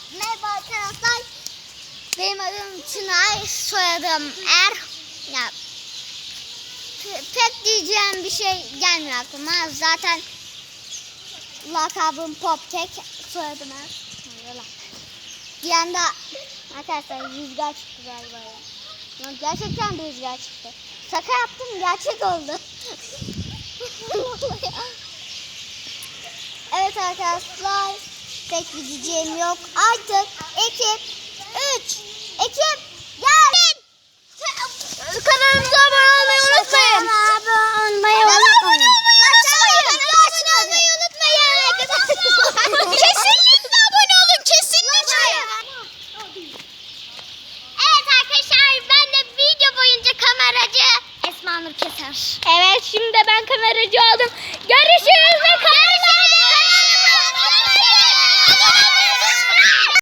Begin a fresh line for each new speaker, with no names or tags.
Merhaba arkadaşlar. Benim adım Çınar, soyadım Er. Ya, pek diyeceğim bir şey gelmiyor aklıma. Zaten lakabım Poptek, soyadım Er. Bir anda arkadaşlar rüzgar çıktı galiba ya. Gerçekten bir rüzgar çıktı. Şaka yaptım, gerçek oldu. Evet arkadaşlar, pek bir diyeceğim yok. Artık ekip 3 ekip gelin. Kanalımıza